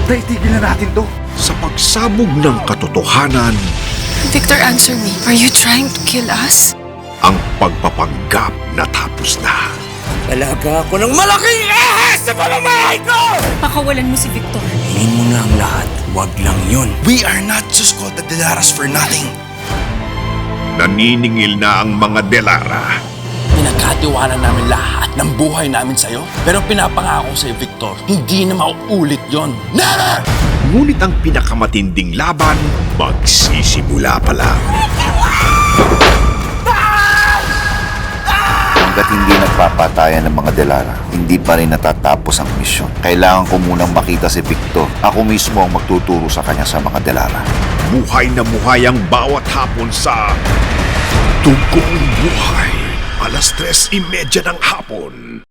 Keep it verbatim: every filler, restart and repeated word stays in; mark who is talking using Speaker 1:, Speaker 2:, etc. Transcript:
Speaker 1: Naitigil na natin to.
Speaker 2: Sa pagsabog ng katotohanan,
Speaker 3: Victor, answer me. Are you trying to kill us?
Speaker 2: ang pagpapanggap natapos na.
Speaker 4: Talaga ako ng malaking ahas sa pamamahay ko!
Speaker 3: Pakawalan mo si Victor.
Speaker 4: Hingin mo na ang lahat, wag lang yun.
Speaker 5: We are not just called the Delaras for nothing.
Speaker 2: Naniningil na ang mga Delara.
Speaker 6: Pinagkatiwala namin lahat ng buhay namin sa'yo. Pero pinapangako sa'yo, Victor, hindi na mauulit yon. Never!
Speaker 2: Ngunit ang pinakamatinding laban, magsisimula pa lang.
Speaker 7: Hanggat hindi nagpapatayan ng mga Delara, hindi pa rin natatapos ang misyon. Kailangan ko munang makita si Victor. Ako mismo ang magtuturo sa kanya sa mga Delara.
Speaker 2: Buhay na buhay ang bawat hapon sa Tugong Buhay. Alas tres imedya ng hapon.